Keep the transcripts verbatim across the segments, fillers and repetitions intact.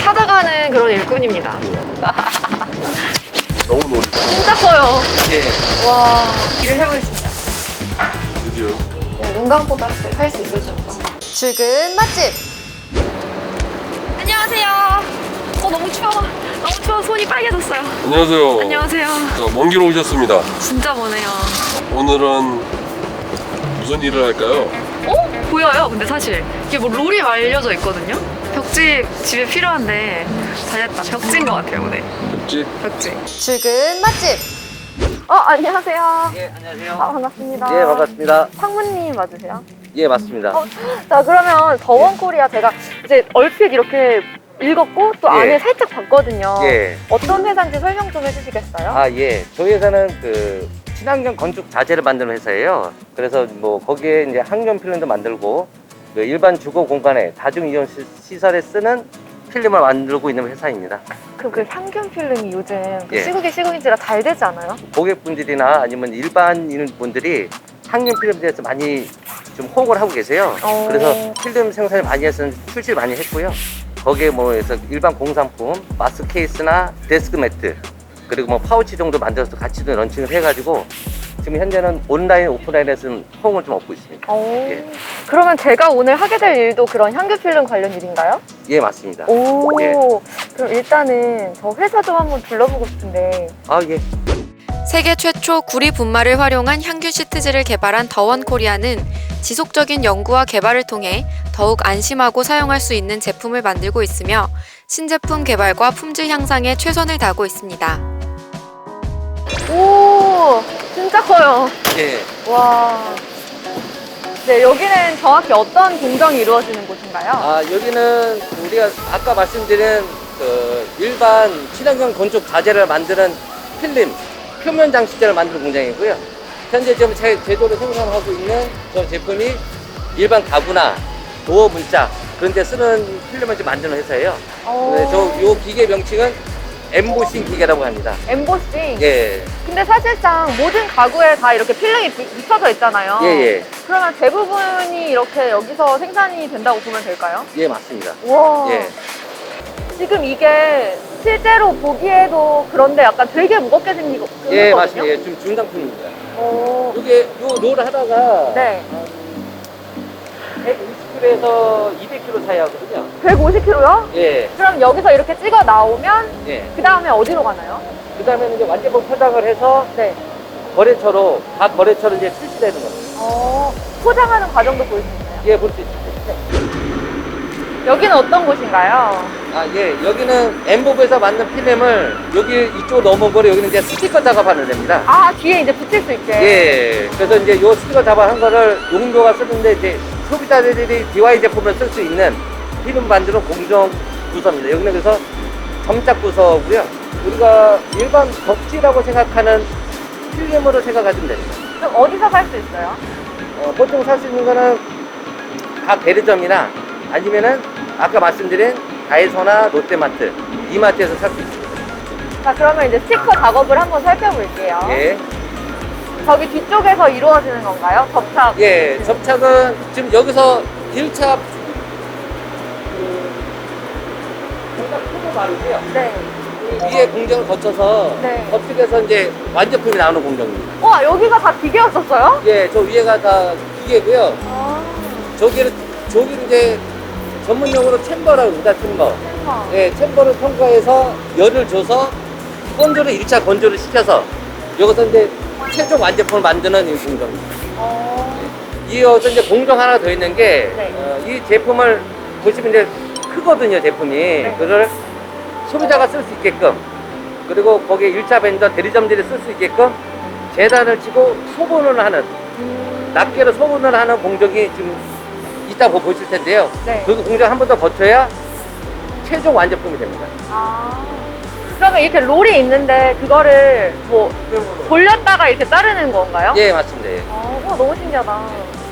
찾아가는 그런 일꾼입니다. 너무 놀이다. 진짜 커요. 예. 와, 일을 해보겠습니다. 드디어. 네, 눈 감고 할 수 있을지 모르겠어. 출근 맛집. 안녕하세요. 어, 너무 추워. 너무 추워. 손이 빨개졌어요. 안녕하세요. 안녕하세요. 자, 먼 길 오셨습니다. 진짜 머네요. 오늘은 무슨 일을 할까요? 어? 보여요. 근데 사실 이게 뭐 롤이 말려져 있거든요. 벽지 집에 필요한데 잘했다. 벽지인 것 같아요 오늘. 벽지? 벽지. 출근 맛집. 어, 안녕하세요. 예, 안녕하세요. 아, 반갑습니다. 예, 반갑습니다. 상무님 맞으세요? 예, 맞습니다. 어, 자, 그러면 더원코리아 제가 이제 얼핏 이렇게 읽었고 또 예. 안에 살짝 봤거든요. 예. 어떤 회사인지 설명 좀 해주시겠어요? 아, 예. 저희 회사는 그 친환경 건축 자재를 만드는 회사예요. 그래서 뭐 거기에 이제 항균 필름도 만들고 그 일반 주거 공간에 다중 이용 시- 시설에 쓰는 필름을 만들고 있는 회사입니다. 그, 그 향균 필름이 요즘 그 예. 시국이 시국인지라 잘 되지 않아요? 고객분들이나 아니면 일반인 분들이 항균 필름에 대해서 많이 좀 호응을 하고 계세요. 어. 그래서 필름 생산을 많이 해서 출시를 많이 했고요. 거기에 뭐 해서 일반 공산품, 마스 케이스나 데스크 매트, 그리고 뭐 파우치 정도 만들어서 같이 좀 런칭을 해가지고 지금 현재는 온라인, 오프라인에서는 호응을 좀 얻고 있습니다. 오. 예. 그러면 제가 오늘 하게 될 일도 그런 향균 필름 관련 일인가요? 예, 맞습니다. 오. 예. 그럼 일단은 저 회사 좀 한번 둘러보고 싶은데. 아, 예. 세계 최초 구리 분말을 활용한 향균 시트지를 개발한 더원코리아는 지속적인 연구와 개발을 통해 더욱 안심하고 사용할 수 있는 제품을 만들고 있으며 신제품 개발과 품질 향상에 최선을 다하고 있습니다. 오, 진짜 커요. 예. 와. 네, 여기는 정확히 어떤 공정이 이루어지는 곳인가요? 아, 여기는 우리가 아까 말씀드린 그 일반 친환경 건축 자재를 만드는 필름, 표면 장식재를 만드는 공장이고요. 현재 지금 제, 제조로 생산하고 있는 저 제품이 일반 가구나 도어 문자 그런 데 쓰는 필름을 지금 만드는 회사예요. 오. 네, 저 요 기계 명칭은 엠보싱 기계라고 합니다. 엠보싱. 예. 근데 사실상 모든 가구에 다 이렇게 필름이 비- 붙여져 있잖아요. 예, 예. 그러면 대부분이 이렇게 여기서 생산이 된다고 보면 될까요? 예, 맞습니다. 와. 예. 지금 이게 실제로 보기에도 그런데 약간 되게 무겁게 생기고 예, 생겼거든요? 맞습니다. 예, 지금 중상품입니다. 오. 이게 요 롤 하다가 네. 백오십 킬로그램에서 이백 킬로그램 사이 하거든요. 백오십 킬로그램요? 예, 그럼 여기서 이렇게 찍어 나오면 예. 그 다음에 어디로 가나요? 그 다음에는 이제 완제품 포장을 해서 네. 거래처로, 각 거래처로 이제 출시되는 겁니다. 어, 포장하는 과정도 볼 수 있나요? 예, 볼 수 있습니다. 여기는 어떤 곳인가요? 아, 예. 여기는 엠보브에서 만든 필름을 여기 이쪽 넘어버려 여기는 이제 스티커 작업하는 데입니다. 아, 뒤에 이제 붙일 수 있게. 예. 그래서 이제 요 스티커 작업한 거를 용도가 쓰는데 이제 소비자들이 디와이 제품을 쓸 수 있는 필름 만드는 공정 부서입니다. 여기는 그래서 점작 부서고요. 우리가 일반 벽지라고 생각하는 필름으로 생각하시면 됩니다. 그럼 어디서 살 수 있어요? 어, 보통 살 수 있는 거는 각 대리점이나 아니면은 아까 말씀드린 다이소나 롯데마트, 이마트에서 살 수 있습니다. 자, 그러면 이제 스티커 작업을 한번 살펴볼게요. 예. 저기 뒤쪽에서 이루어지는 건가요? 접착. 예, 접착은 지금 여기서 일 차 정답 표고 바르고요. 네. 위에 공정을 거쳐서 네. 접촉해서 이제 완제품이 나오는 공정입니다. 와, 여기가 다 기계였었어요? 예, 저 위에가 다 기계고요. 아, 저기를 저기를 이제 전문용어로 챔버라고 합니다. 챔버. 대박. 예, 챔버를 통과해서 열을 줘서 건조를 일 차 건조를 시켜서 여기서 이제 최종 완제품을 만드는 이 공정입니다. 어, 이어서 이제 공정 하나 더 있는 게, 네. 어, 이 제품을 보시면 이제 크거든요, 제품이. 네. 그걸 소비자가 쓸 수 있게끔, 그리고 거기에 일 차 벤더 대리점들이 쓸 수 있게끔 재단을 치고 소분을 하는, 음, 낱개로 소분을 하는 공정이 지금 이따 보- 보실 텐데요. 네. 그 공정 한 번 더 거쳐야 최종 완제품이 됩니다. 아. 그러면 이렇게 롤이 있는데 그거를 뭐 돌렸다가 이렇게 자르는 건가요? 예, 맞습니다. 예. 어, 와, 너무 신기하다.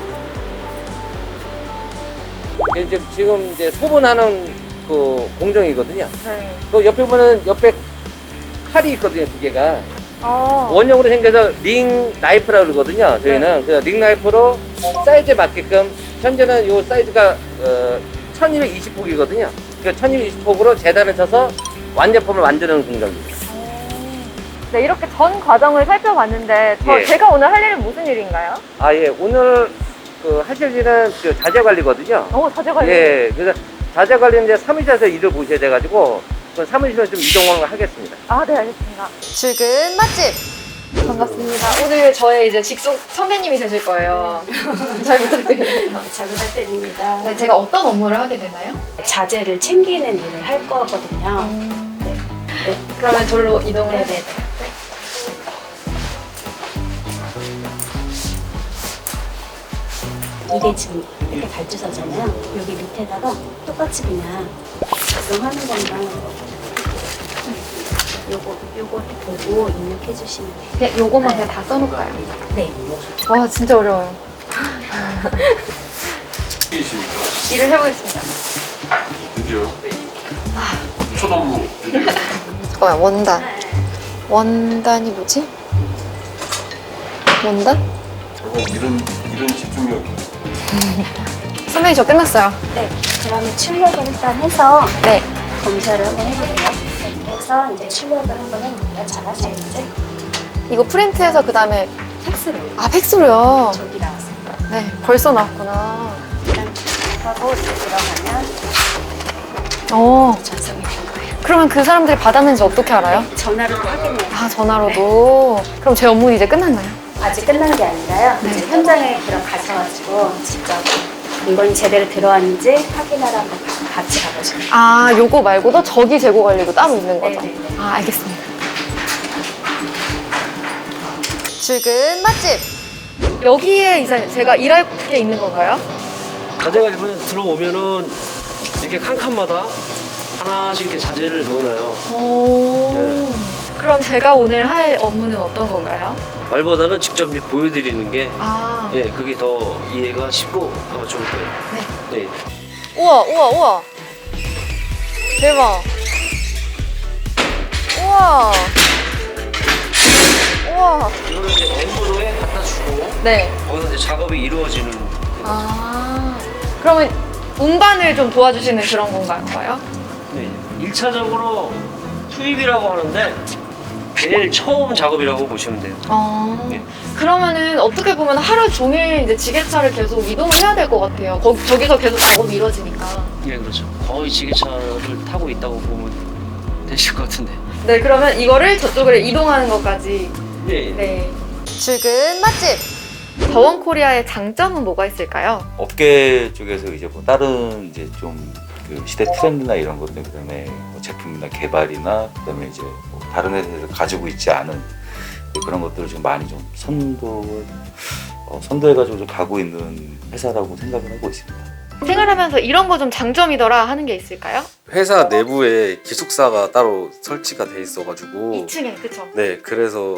이게 지금, 지금 이제 소분하는 그 공정이거든요. 네. 그 옆에 보면 옆에 칼이 있거든요, 두 개가. 어. 원형으로 생겨서 링 나이프라고 그러거든요. 저희는 그래서 링 나이프로 사이즈에 맞게끔 현재는 이 사이즈가 어, 천이백이십 폭이거든요. 그 천이십 호흡으로 재단을 쳐서 완제품을 만드는 공정입니다. 네, 이렇게 전 과정을 살펴봤는데 저 예. 제가 오늘 할 일은 무슨 일인가요? 아, 예. 오늘 그 하실 일은 그 자재 관리거든요. 어, 자재 관리. 예. 그래서 자재 관리는 이제 사무실에서 일을 보셔야 돼가지고 그 사무실로 좀 이동을 하겠습니다. 아, 네, 알겠습니다. 출근 맛집! 반갑습니다. 오늘 저의 이제 직속 선배님이 되실 거예요. 잘 부탁드립니다. 잘 부탁드립니다. 네, 제가 어떤 업무를 하게 되나요? 자재를 챙기는 일을 할 거거든요. 네. 네. 그러면 절로 이동을 해야 네네. 이게 지금 이렇게 발주서잖아요. 여기 밑에다가 똑같이 그냥 작성하는 것만 요거 요거 보고 입력해 주시면 돼요. 그냥 요거만 그냥 다 써놓을까요? 네. 와, 진짜 어려워요. 이십니까? 일을 해보겠습니다. 드디어. 첫 업무. 드디어. 잠깐만, 원단. 원단이 뭐지? 원단? 어, 이런, 이런 집중력. 선배님, 저 끝났어요. 네. 그러면 출력을 일단 해서 네. 검사를 한번 해볼게요. 이렇게 해서 이제 출력을 한번 해볼게요. 잘하시겠지? 이거 프린트해서 그 다음에 팩스로 아, 팩스로요? 저기 나왔습니다. 네, 벌써 나왔구나. 일단 하고 이제 들어가면 어, 전송이 된 거예요. 그러면 그 사람들이 받았는지 어떻게 알아요? 전화로도 확인해요. 아, 전화로도. 그럼 제 업무는 이제 끝났나요? 아직 끝난 게 아니라요. 이제 현장에 그럼 가셔가지고 직접 물건이 제대로 들어왔는지 확인하러 한번 가- 같이 가보시면 돼요. 아, 요거 말고도 저기 재고 관리도 따로 있는 거죠? 네네네. 아, 알겠습니다. 출근 맛집! 여기에 이제 제가 일할 게 있는 건가요? 자재가 이번에 들어오면은 이렇게 칸칸마다 하나씩 이렇게 자재를 넣어놔요. 오. 그럼 제가 오늘 할 업무는 어떤 건가요? 말보다는 직접 이제 보여드리는 게 아, 예, 그게 더 이해가 쉽고 아마 좋을 거예요. 네. 우와, 우와, 우와! 대박! 우와! 우와! 이거는 이제 엠브로에 갖다 주고 네. 거기서 이제 작업이 이루어지는 아, 그러면 운반을 좀 도와주시는 그런 건가요? 네. 일 차적으로 투입이라고 하는데 제일 처음 작업이라고 보시면 돼요. 어. 네. 그러면은 어떻게 보면 하루 종일 이제 지게차를 계속 이동을 해야 될 것 같아요. 거, 저기서 계속 작업이 이루어지니까. 예, 그렇죠. 거의 지게차를 타고 있다고 보면 되실 것 같은데. 네, 그러면 이거를 저쪽으로 이동하는 것까지. 네. 네. 출근 맛집! 더원 코리아의 장점은 뭐가 있을까요? 업계 쪽에서 이제 뭐 다른 이제 좀 그 시대 트렌드나 이런 것들, 그다음에 뭐 제품이나 개발이나 그다음에 이제 뭐 다른 회사에서 가지고 있지 않은 그런 것들을 좀 많이 좀 선도 어, 선도해가지고 좀 가고 있는 회사라고 생각을 하고 있습니다. 생활하면서 이런 거 좀 장점이더라 하는 게 있을까요? 회사 내부에 기숙사가 따로 설치가 돼 있어가지고 이 층에, 그쵸? 네, 그래서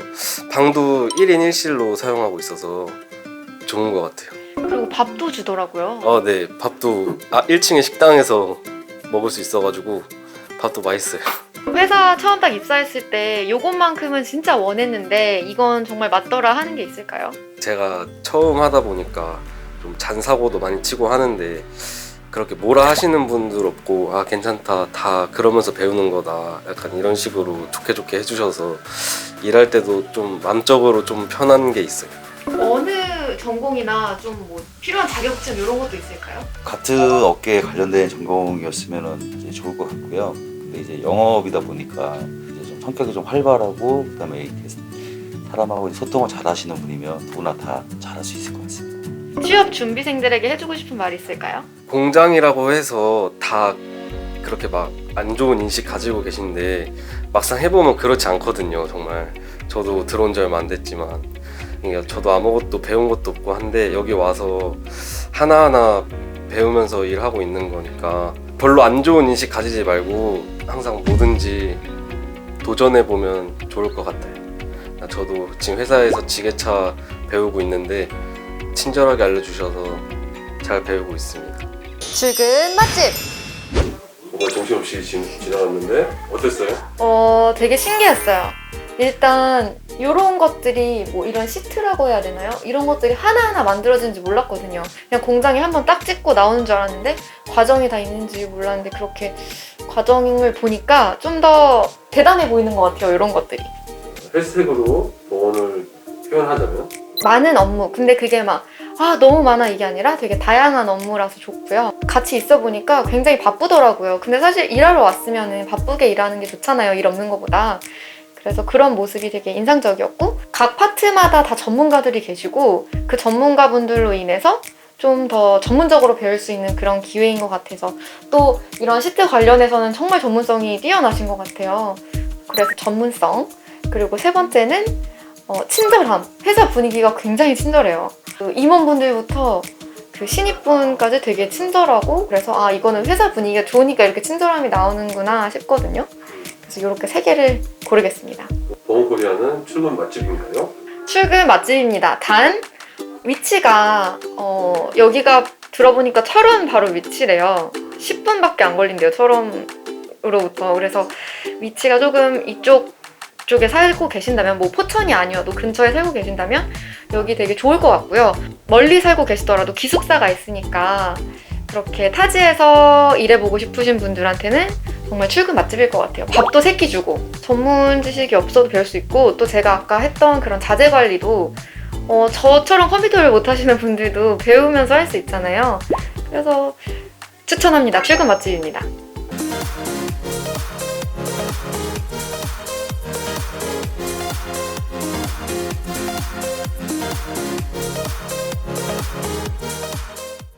방도 일 인 일 실로 사용하고 있어서 좋은 것 같아요. 그리고 밥도 주더라고요. 어, 네, 밥도 아, 일 층에 식당에서 먹을 수 있어가지고 밥도 맛있어요. 회사 처음 딱 입사했을 때 요것만큼은 진짜 원했는데 이건 정말 맞더라 하는 게 있을까요? 제가 처음 하다 보니까 좀 잔사고도 많이 치고 하는데 그렇게 뭐라 하시는 분들 없고 아 괜찮다 다 그러면서 배우는 거다 약간 이런 식으로 좋게 좋게 해주셔서 일할 때도 좀 마음적으로 좀 편한 게 있어요. 어느 전공이나 좀 뭐 필요한 자격증 이런 것도 있을까요? 같은 업계에 관련된 전공이었으면 이제 좋을 것 같고요. 근데 이제 영업이다 보니까 이제 좀 성격이 좀 활발하고 그다음에 이렇게 사람하고 소통을 잘하시는 분이면 누구나 다 잘할 수 있을 것 같습니다. 취업 준비생들에게 해주고 싶은 말이 있을까요? 공장이라고 해서 다 그렇게 막 안 좋은 인식 가지고 계신데 막상 해보면 그렇지 않거든요. 정말 저도 들어온 지 얼마 안 됐지만 그러니까 저도 아무것도 배운 것도 없고 한데 여기 와서 하나하나 배우면서 일하고 있는 거니까 별로 안 좋은 인식 가지지 말고 항상 뭐든지 도전해보면 좋을 것 같아요. 저도 지금 회사에서 지게차 배우고 있는데 친절하게 알려주셔서 잘 배우고 있습니다. 출근 맛집! 뭔가 정신없이 지, 지나갔는데 어땠어요? 어, 되게 신기했어요. 일단 이런 것들이 뭐 이런 시트라고 해야 되나요? 이런 것들이 하나하나 만들어지는지 몰랐거든요. 그냥 공장에 한번 딱 찍고 나오는 줄 알았는데 과정이 다 있는지 몰랐는데 그렇게 과정을 보니까 좀 더 대단해 보이는 것 같아요. 이런 것들이. 해시태그로 보온을 표현하자면 많은 업무. 근데 그게 막, 아, 너무 많아 이게 아니라 되게 다양한 업무라서 좋고요. 같이 있어 보니까 굉장히 바쁘더라고요. 근데 사실 일하러 왔으면 바쁘게 일하는 게 좋잖아요. 일 없는 것보다. 그래서 그런 모습이 되게 인상적이었고, 각 파트마다 다 전문가들이 계시고, 그 전문가분들로 인해서 좀 더 전문적으로 배울 수 있는 그런 기회인 것 같아서, 또 이런 시트 관련해서는 정말 전문성이 뛰어나신 것 같아요. 그래서 전문성. 그리고 세 번째는 어, 친절함. 회사 분위기가 굉장히 친절해요. 그 임원분들부터 그 신입분까지 되게 친절하고, 그래서 아, 이거는 회사 분위기가 좋으니까 이렇게 친절함이 나오는구나 싶거든요. 그래서 이렇게 세 개를 고르겠습니다. 보온코리아는 출근 맛집인가요? 출근 맛집입니다. 단 위치가 어, 여기가 들어보니까 철원 바로 위치래요. 십 분밖에 안 걸린대요. 철원으로부터. 그래서 위치가 조금 이쪽 쪽에 살고 계신다면, 뭐 포천이 아니어도 근처에 살고 계신다면 여기 되게 좋을 것 같고요. 멀리 살고 계시더라도 기숙사가 있으니까 그렇게 타지에서 일해보고 싶으신 분들한테는 정말 출근 맛집일 것 같아요. 밥도 세끼 주고, 전문 지식이 없어도 배울 수 있고, 또 제가 아까 했던 그런 자재 관리도 어, 저처럼 컴퓨터를 못 하시는 분들도 배우면서 할 수 있잖아요. 그래서 추천합니다. 출근 맛집입니다.